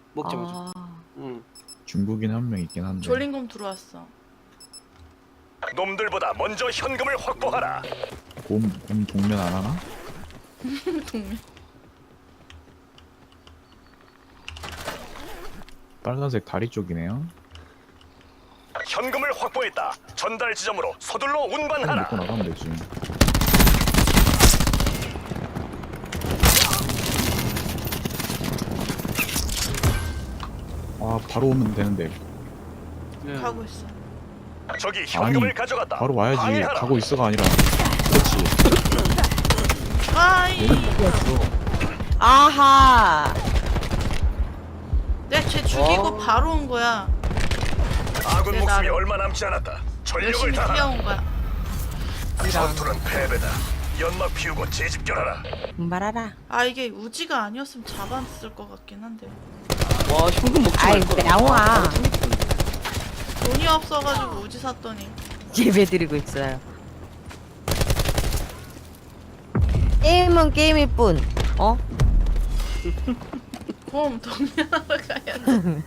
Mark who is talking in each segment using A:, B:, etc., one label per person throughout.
A: 먹자 먹자. 응.
B: 중국인 한 명 있긴 한데.
C: 졸린곰 들어왔어.
D: 놈들보다 먼저 현금을 확보하라.
B: 곰 동면 안 하나?
C: 동맹.
B: 빨간색 다리 쪽이네요.
D: 현금을 확보했다. 전달 지점으로 서둘러 운반하라.
B: 먹고 나가면 되지. 아 바로 오면 되는데.
A: 네.
C: 가고 있어.
D: 저기 현금을
B: 아니,
D: 가져갔다.
B: 바로 와야지.
D: 방해하라.
B: 가고 있어가 아니라. 그렇지.
C: 아이.
E: 아하.
C: 내가 쟤 죽이고 바로 온 거야.
D: 아군
C: 내
D: 목숨이
C: 나를.
D: 얼마 남지 않았다. 전력을
C: 열심히
D: 다하라.
C: 뛰어온 거야.
D: 전투는 패배다. 연막 피우고 재집결하라.
E: 말아라.
C: 아 이게 우지가 아니었으면 잡았을 것 같긴 한데.
A: 와 현금 먹지
E: 아이,
A: 말걸.
E: 나와.
C: 돈이 없어가지고 우지 샀더니.
E: 예배 드리고 있어요. 게임은 게임일 뿐. 어?
C: 곰 동면하러 가야지.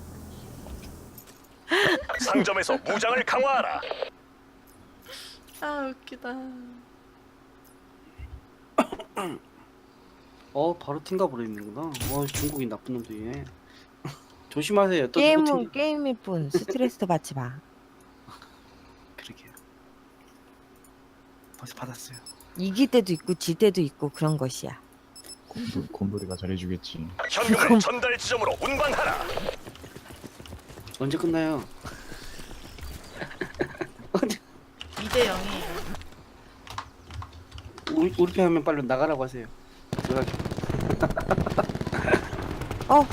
D: 상점에서 무장을 강화하라.
C: 아 웃기다.
A: 바로 튕가 버리는구나. 와 중국인 나쁜 놈들이네. 조심하세요. 또 누구
E: 게임은
A: 튕겨.
E: 게임일 뿐. 스트레스 받지 마.
A: 그러게요. 벌써 받았어요.
E: 이길 때도 있고 질 때도 있고 그런 것이야.
B: 곰돌이가 잘해주겠지.
D: 현금을 전달 지점으로 운반하라.
A: 언제 끝나요? 언제?
C: 2대 0이에요.
A: 우리 편 하면 빨리 나가라고 하세요. 들어가죠.
E: 어.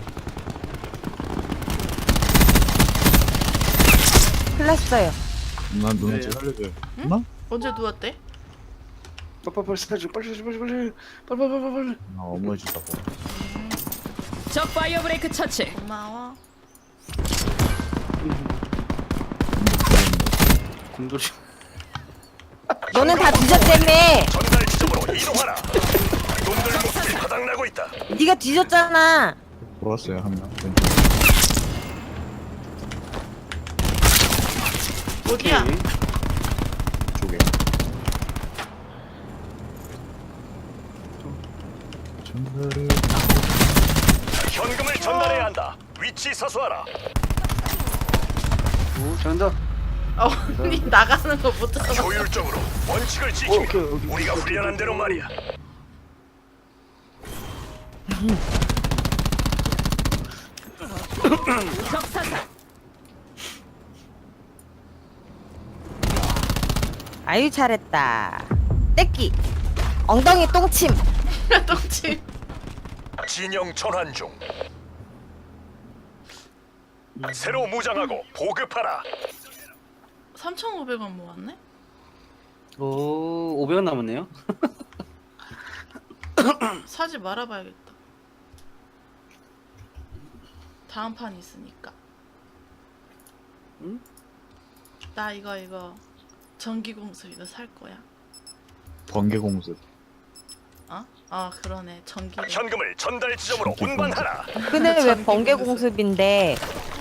E: 흘렀어요.
B: 누나
A: 네.
B: 제 살려줘요.
C: 응?
B: 누나?
C: 언제 누웠대?
A: 빨리 사줘. 빨리.
B: 나 어머해주다고.
F: 적 파이어 브레이크 처치.
C: 고마워.
A: 곰돌이.
E: 너는 다 뒤졌다며.
D: 전달 지점으로 이동하라. 놈들 목숨이 바닥나고 있다.
E: 네가 뒤졌잖아.
B: 돌아왔어요 한 명.
C: 어디야?
A: 오케이.
B: 쪽에. 전달을.
D: 현금을 전달해야 한다. 위치 사수하라.
A: 오 잘한다.
C: 언니 나가는 거 못 들어.
D: 효율적으로 원칙을 지키며
A: 오케이, 오케이.
D: 우리가 훈련한 대로 말이야.
F: 적 사살.
E: 아유 잘했다. 떼끼. 엉덩이 똥침.
C: 똥침.
D: 진영 전환 중. 새로 무장하고 보급하라.
C: 3,500원 모았네?
A: 오 500원 남았네요.
C: 사지 말아봐야겠다. 다음 판 있으니까.
A: 응?
C: 나 이거 전기공수 이거 살 거야.
B: 번개공습.
C: 어? 아 그러네. 전기를.
D: 현금을 전달 지점으로 운반하라.
E: 근데 왜
C: 전기
E: 번개
C: 공습.
E: 공습인데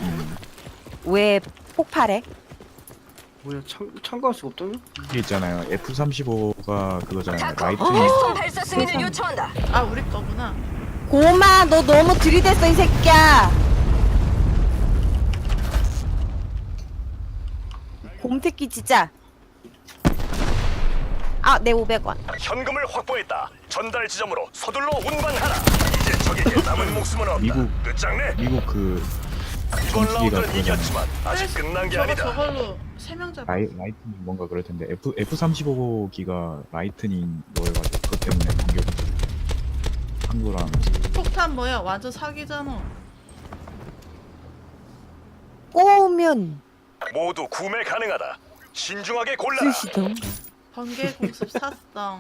E: 왜 폭발해?
A: 뭐야 참가할 수가 없다며?
B: 이게 있잖아요. F-35가 그거잖아요. 라이트.
F: 총 발사 승인을 요청한다.
C: 아 우리 거구나.
E: 고마 너 너무 들이댔어 이 새끼야. 곰새끼 진짜. 아 내 500원.
D: 현금을 확보했다. 전달 지점으로 서둘러 운반하라. 이제 적에게 남은 목숨은 없다.
B: 미국-
D: 끝장내.
B: 미국 그
D: 이번
B: 전투기가
D: 라운드는
B: 그거잖아요.
D: 이겼지만 아직 끝난 게 아니다.
C: 저걸로 3명 잡아.
B: 라이트닝 뭔가 그럴 텐데 F-35기가 라이트닝 뭐여가지고 그것 때문에 번개공습. 한국랑
C: 폭탄 뭐야? 완전 사기잖아.
E: 꼬우면
D: 모두 구매 가능하다. 신중하게 골라라.
E: 쓰시던.
C: 번개 공습 샀어.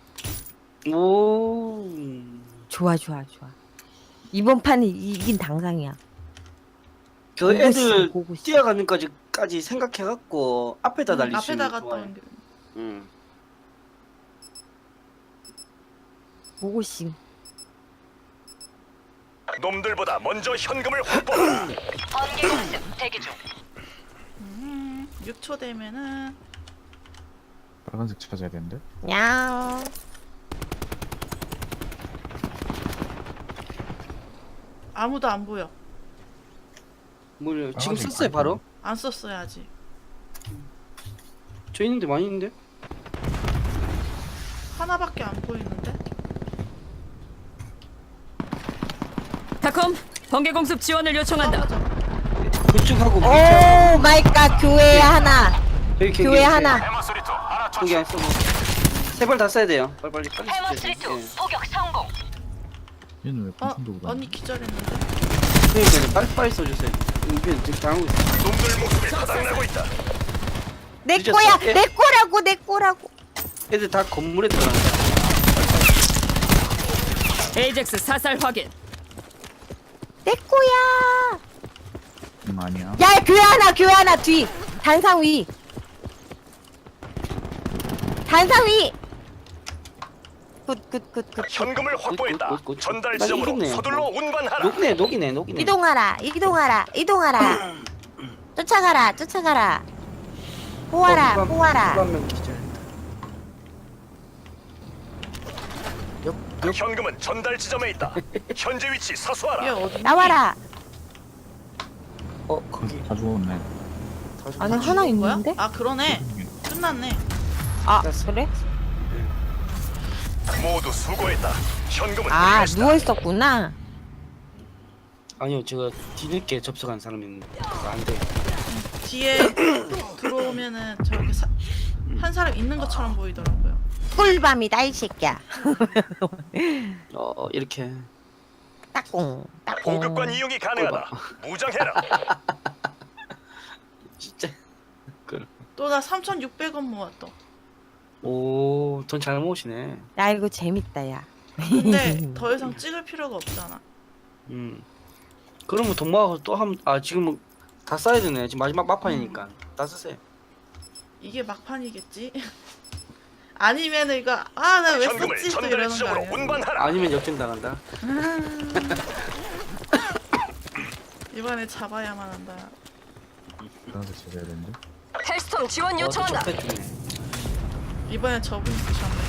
A: 오.
E: 좋아. 이번 판은 이긴 당상이야.
A: 그 애들
E: 고고씨.
A: 뛰어가는 까지 생각해갖고 앞에다 날릴 수 있는
C: 앞에다
A: 좋아요.
C: 갔다 온 게.
A: 응.
E: 보고싱.
D: 놈들보다 먼저 현금을 확보하라.
F: 번개 공습 대기 중.
C: 6초 되면은
B: 빨간색 찾아야 되는데.
E: 냥.
C: 아무도 안 보여.
A: 뭘 지금
B: 아직
A: 썼어요
B: 안
A: 바로?
C: 안 썼어요 아직.
A: 저 있는데 많이 있는데?
C: 하나밖에 안 보이는데?
F: 타콤, 번개 공습 지원을 요청한다.
A: 그쪽하고
E: 오 마이 갓, 교회 하나.
A: 여기
E: 교회 하나.
D: 해머스리투 하나
A: 거기 안 써봐. 세발 다 써야 돼요. 빨리 써야
F: 해머스리트
A: 돼.
F: 포격 성공.
B: 얘는 왜
C: 어?
B: 풍선 도구 다녀?
C: 언니 기절했는데?
A: 그러니까 빨리 써주세요. 우리 지금 당하고 있어.
D: 놈들 목숨이 바닥나고 있다.
E: 내
A: 늦었어.
E: 거야.
A: 예?
E: 내 거라고, 내 거라고.
A: 애들 다 건물에 들어간다.
F: 에이젝스 사살 확인.
E: 내 거야.
B: 아니야.
E: 야, 교회 하나 뒤. 단상 위. 단상 위. 굿.
D: 현금을 확보했다.
A: 굿.
D: 전달
A: 나
D: 지점으로
A: 이겼네요.
D: 서둘러 운반하라.
A: 녹이네.
E: 이동하라. 쫓아가라. 포하라.
A: 한명 기절.
D: 현금은 전달 지점에 있다. 현재 위치
C: 얘
D: 사수하라.
C: 어디?
E: 나와라.
A: 거기.
B: 다 죽었네.
E: 안에 하나 있는데?
C: 아 그러네. 끝났네.
E: 아,
A: 땄어.
E: 그래?
D: 모두 수고했다. 현금은
E: 아,
D: 우리 것이다.
E: 누워 있었구나.
A: 아니요, 제가 뒤늦게 접속한 사람이 있는데 그거 안 돼.
C: 뒤에 들어오면은 저렇게 한 사람 있는 것처럼 보이더라고요.
E: 꿀밤이다 이 새끼야.
A: 이렇게.
E: 따꿍.
D: 보급관 이용이 가능하다. 무장해라.
A: 진짜.
C: 또 나 3,600원 모았어.
A: 오, 돈 잘 모으시네.
E: 야, 이거 재밌다 야.
C: 근데 더 이상 찍을 필요가 없잖아.
A: 그러면 돈 모아서 또 하면 지금은 다 써야 되네. 지금 마지막 막판이니까 다 쓰세요.
C: 이게 막판이겠지? 아니면은 이거 나 왜
D: 현금을
C: 썼지? 또
D: 전달
C: 이러는 거
D: 지점으로
C: 아니야?
D: 운반하라.
A: 아니면 역전 당한다.
C: 이번에 잡아야만 한다.
B: 빨간색 찾아야 되는데.
F: 헬스톰 지원 요청한다.
A: 또 적폐 중에.
C: 이번에 저분이 잡네.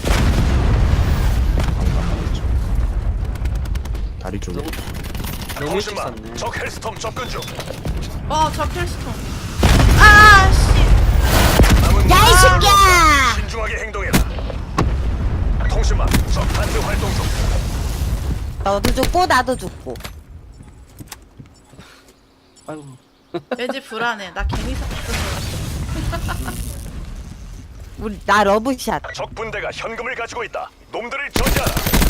B: 다리 쪽에.
A: 너무 일찍
D: 통신망
A: 샀네.
D: 적 헬스톰 접근 중.
C: 저 켈스톤. 아 씨.
D: 남은
E: 야, 이 새끼야!
D: 신중하게 행동해라. 통신망 적 단대 활동 중.
E: 너도 죽고 나도 죽고.
A: 아이고.
C: 왠지 불안해. 나 괜히 샀던 거 같아.
E: 우리 나 러브샷.
D: 적 분대가 현금을 가지고 있다. 놈들을 저지하라.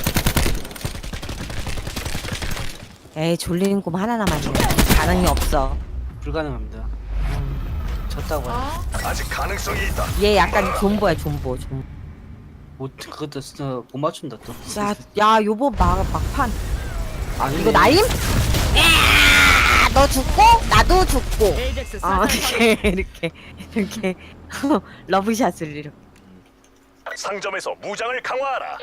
E: 에이, 졸리는 꿈 하나 남았네. 가능이 없어.
A: 불가능합니다. 졌다고.
D: 아직 가능성이 있다.
E: 얘 약간 존버야, 존버.
A: 그것도 못 맞춘다 또.
E: 야, 요번 막판.
A: 아니네.
E: 이거 나임? 야, 너 죽고 나도 죽고.
F: 에이젝스 사살 확인.
E: 이렇게 러브샷을 이렇게.
D: 상점에서 무장을 강화하라.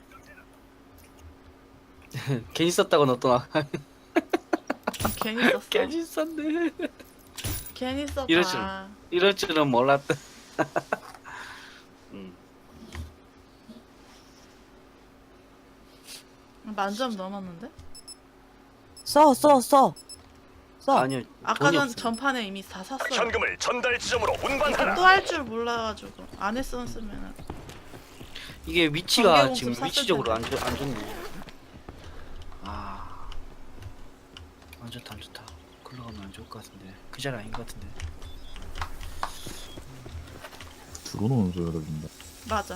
A: 괜히 썼다고 너 또 나.
C: 괜히 썼어.
A: 괜히 썼네.
C: 괜히 썼다.
A: 이럴 줄은 몰랐다.
C: 만점 넘었는데?
E: 써.
A: 아니요.
C: 아까
A: 돈이
C: 전
A: 없어요.
C: 전판에 이미 다 샀어요.
D: 현금을 전달 지점으로 운반하라.
C: 또 할 줄 몰라가지고 안 했었으면은
A: 이게 위치가
C: 번개공습
A: 지금
C: 샀을
A: 위치적으로
C: 텐데.
A: 안 좋네. 안 좋다. 글로 가면 안 좋을 것 같은데. 그 자리 아닌 것 같은데.
B: 들어오는 소리가 들린다.
C: 맞아.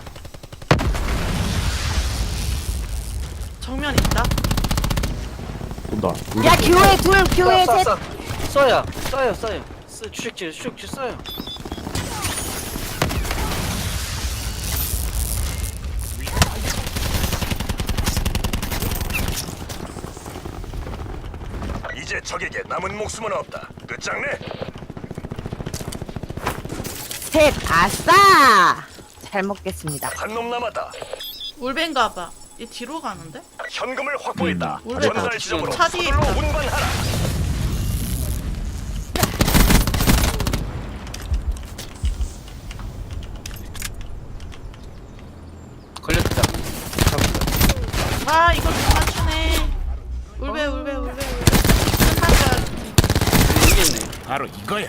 C: 정면 있다.
B: 온다.
E: 야, 교회 셋.
A: 써요. 추적질 써요.
D: 이제 적에게 남은 목숨은 없다. 끝장내.
E: 셋. 아싸. 잘 먹겠습니다.
D: 한 놈 남았다.
C: 울벤가봐. 얘 뒤로 가는데?
D: 현금을 확보했다.
C: 원래
D: 전달
C: 다
D: 지점으로
C: 차 뒤에
D: 서둘러
C: 있다.
D: 운반하라.
A: 걸렸다. 잡았다.
C: 아 이거 못 맞추네. 울베. 한판자.
A: 이겼네.
D: 바로 이거야.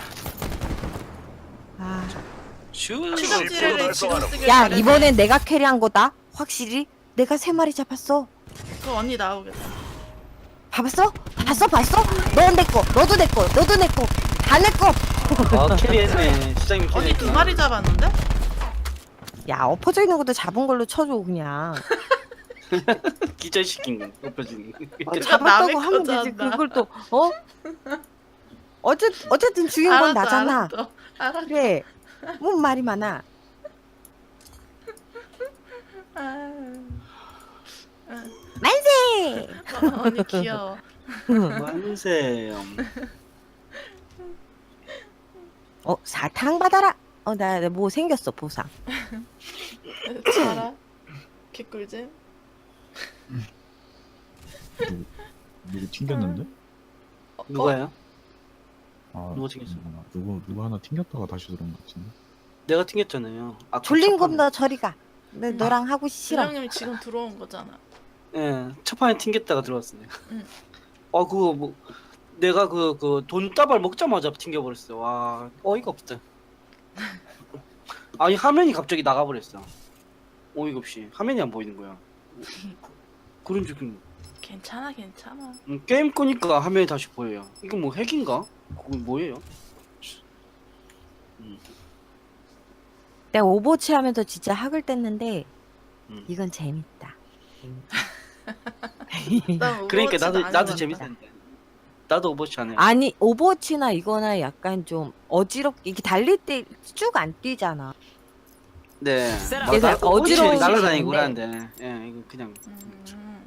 E: 아.
A: 슈.
C: 추적지를 지금 쓰길
E: 야
C: 잘했네.
E: 이번엔 내가 캐리한 거다. 확실히 내가 3마리 잡았어.
C: 그 언니 나오겠다.
E: 봤어? 봤어? 넌 내 거, 너도 내 거, 너도 내 거, 다 내 거.
A: 아 캐리했네. 시장님
C: 언니
A: 캐리.
C: 2마리 잡았는데?
E: 야 엎어져 있는 것도 잡은 걸로 쳐줘 그냥.
A: 기절시킨 거. 엎어지는 거.
C: 그거
E: 잡았다고
C: 남의
E: 하면 되지.
C: 거잖아.
E: 그걸 또 어? 어쨌든 죽인 건 나잖아.
C: 알았어.
E: 그래. 뭔 말이 많아.
C: 아,
E: 만세.
C: 언니 귀여워.
A: 만세.
E: 사탕 받아라. 나 뭐 생겼어 보상.
C: 자라. 개꿀잼.
B: 누구 튕겼는데?
A: 누가요?
B: 아,
A: 누가 튕겼어?
B: 누구 하나 튕겼다가 다시 들어온 것 같은데.
A: 내가 튕겼잖아요. 아까
E: 졸린
A: 첫 판에.
E: 곰 너 저리 가. 내 너랑 하고 싫어.
C: 부장님 지금 들어온 거잖아.
A: 예, 첫 판에 튕겼다가 들어왔어 내가.
C: 응.
A: 그거 뭐 내가 그 돈다발 먹자마자 튕겨버렸어. 와 어이가 없다. 아니 화면이 갑자기 나가버렸어. 어이가 없이 화면이 안 보이는 거야. 그런 적은
C: 괜찮아.
A: 게임 끄니까 화면이 다시 보여요. 이거 뭐 핵인가? 그거 뭐예요?
E: 내가 오버워치 하면서 진짜 학을 뗐는데
A: 음.
E: 이건 재밌다.
C: 난
A: 그러니까
C: 오버워치도 안
A: 나도
C: 해봤다.
A: 재밌었는데. 나도 오버워치 안 해.
E: 아니 오버워치나 이거나 약간 좀 어지럽게 이렇게 달릴 때 쭉 안 뛰잖아.
A: 네.
E: 그래서 약간 어지러운
A: 날아다니고
E: 시간인데.
A: 하는데. 예, 이거 그냥
C: 음,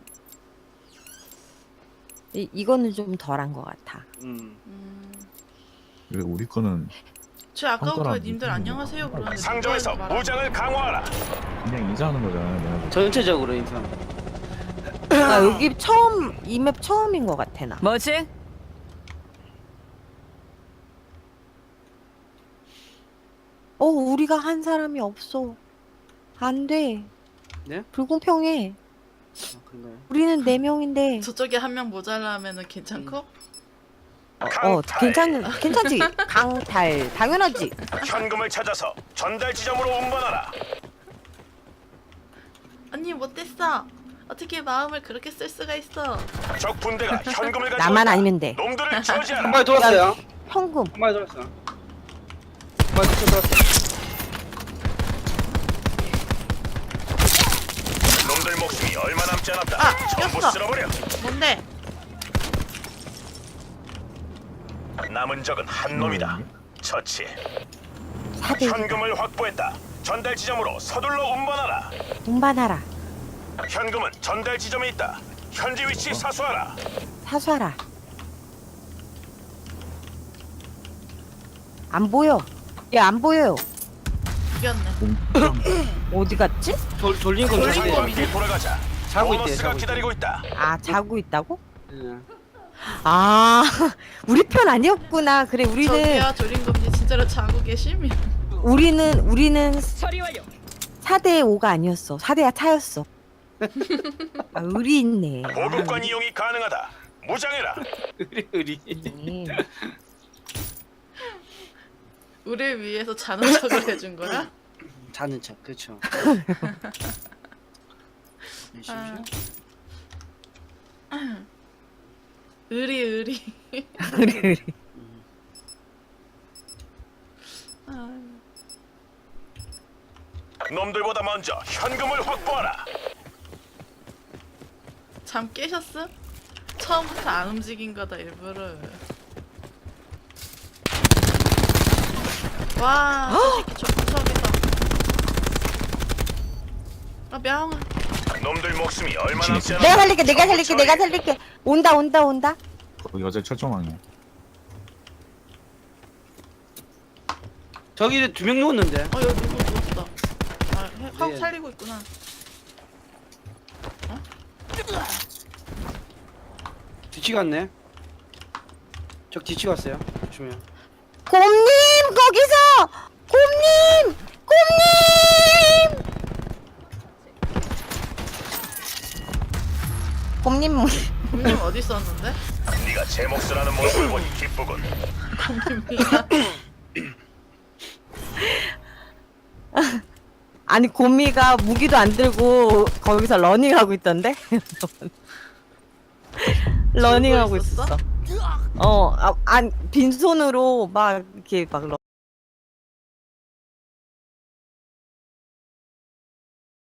E: 이거는 좀 덜한 것 같아.
C: 음.
B: 왜 우리 거는
C: 저 아까부터
B: 손가락
C: 님들
B: 밑에
C: 안녕하세요 그러는데
D: 상점에서
C: 누가 말하는
D: 무장을 강화하라.
B: 그냥 인사하는 거잖아요. 내가 볼 때.
A: 전체적으로 인상.
E: 나 여기 처음 이 맵 처음인 것 같아 나.
F: 뭐지?
E: 우리가 한 사람이 없어. 안 돼.
A: 네?
E: 불공평해.
A: 그런가요?
E: 우리는 4명인데.
C: 저쪽에 한 명 모자라면은 괜찮고?
D: 강탈.
E: 괜찮지. 강탈 당연하지.
D: 현금을 찾아서 전달 지점으로 운반하라.
C: 언니 못됐어. 어떻게 마음을 그렇게 쓸 수가 있어?
D: 적 분대가 현금을 가지고
E: 나만
D: 있다.
E: 아니면 돼.
D: 놈들을
A: 한
D: 처지하라.
A: 마리 돌았어요.
E: 현금.
A: 한 마리 돌았어. 한 마리 돌았어.
D: 놈들 목숨이 얼마 남지 않았다.
C: 아,
D: 전부
C: 죽였어.
D: 쓸어버려.
C: 뭔데?
D: 남은 적은 한 놈이다. 처치.
E: 사대
D: 현금을 확보했다. 전달 지점으로 서둘러 운반하라.
E: 운반하라.
D: 현금은 전달 지점에 있다. 현지 위치 사수하라.
E: 사수하라. 안 보여. 야 안 보여요.
C: 죽였네.
E: 어디 갔지?
A: 졸린 건
C: 졸린
A: 자고
C: 건
A: 있대.
D: 함께 돌아가자.
A: 자고 있대.
D: 보너스가
A: 자고
D: 기다리고 있다.
E: 아 자고 있다고?
A: 예.
E: 아 우리 편 아니었구나. 그래
C: 저기야 조린검지 진짜로 자고 계심?
E: 우리는
F: 처리 완료.
E: 4대 5가 아니었어. 4대가 차였어. 아 의리 있네.
D: 보급관 이용이 가능하다. 무장해라.
A: 우리.
C: 우리를 위해서 자는 척을 해준 거야?
A: 자는 척, 그렇죠.
C: 의리.
E: 의리.
C: 아,
D: 놈들보다 먼저 현금을 확보하라.
C: 잠 깨셨어? 처음부터 안 움직인 거다 일부러. 와, 저 새끼 저기서. 아, 명아.
D: 놈들 목숨이 얼마 남지 않았다.
E: 내가 살릴게. 온다.
B: 거기 어제 철조망이야.
A: 저기 2명 누웠는데.
C: 여기 누구 누웠어. 아, 하고
A: 네.
C: 살리고 있구나. 어?
A: 뒤치 갔네. 저 뒤치 갔어요. 조심해요.
E: 곰님 거기서 곰님 곰님
C: 곰님 어디 있었는데?
D: 네가 제 몫을 하는 모습을 보니 기쁘군.
E: 아니 곰이가 무기도 안 들고 거기서 러닝하고 있던데? 러닝하고
C: 들고 있었어?
E: 있었어. 아니 빈손으로 막 이렇게 막